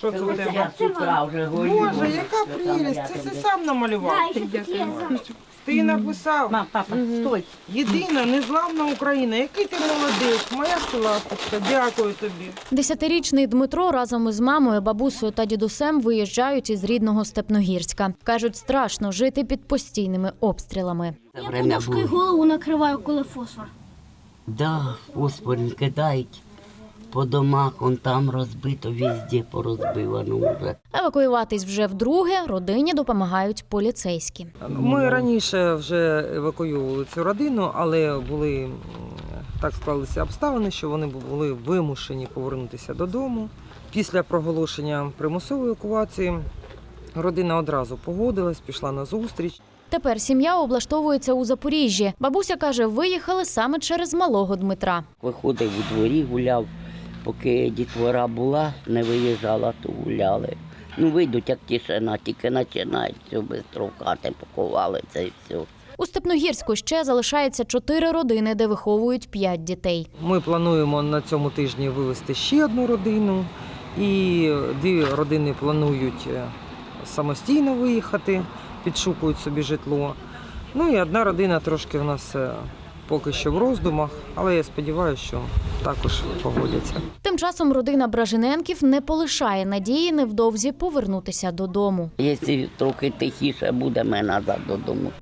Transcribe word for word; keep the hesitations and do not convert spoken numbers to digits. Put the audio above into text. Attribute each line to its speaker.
Speaker 1: Що це у тебе?
Speaker 2: Цукра вже горю.
Speaker 1: Боже, яка прелість! Це ти сам намалював. Ти написав.
Speaker 2: Мам, папа, стой.
Speaker 1: Єдина, незламна Україна. Який ти молодець, моя ласточка. Дякую тобі.
Speaker 3: Десятирічний Дмитро разом із мамою, бабусею та дідусем виїжджають із рідного Степногірська. Кажуть, страшно жити під постійними обстрілами.
Speaker 4: Я подушкою голову накриваю, коли фосфор.
Speaker 2: Да, фосфорні кидають по домах, он там розбито, везде порозбивано вже.
Speaker 3: Евакуюватись вже вдруге родині допомагають поліцейські.
Speaker 1: Ми раніше вже евакуювали цю родину, але були м, так склалися обставини, що вони були вимушені повернутися додому. Після проголошення примусової евакуації родина одразу погодилась, пішла на зустріч.
Speaker 3: Тепер сім'я облаштовується у Запоріжжі. Бабуся каже, виїхали саме через малого Дмитра.
Speaker 2: Виходив у дворі, гуляв, поки дітвора була, не виїжджала, то гуляли. Ну, вийдуть, як тишина, тільки починають, все, швидко в хати поховали, це і все.
Speaker 3: У Степногірську ще залишається чотири родини, де виховують п'ять дітей.
Speaker 1: Ми плануємо на цьому тижні вивезти ще одну родину, і дві родини планують самостійно виїхати, підшукують собі житло. Ну і одна родина трошки в нас поки що в роздумах, але я сподіваюся, що також погодяться.
Speaker 3: Тим часом родина Бражиненків не полишає надії невдовзі повернутися додому.
Speaker 2: Якщо трохи тихіше буде, ми назад додому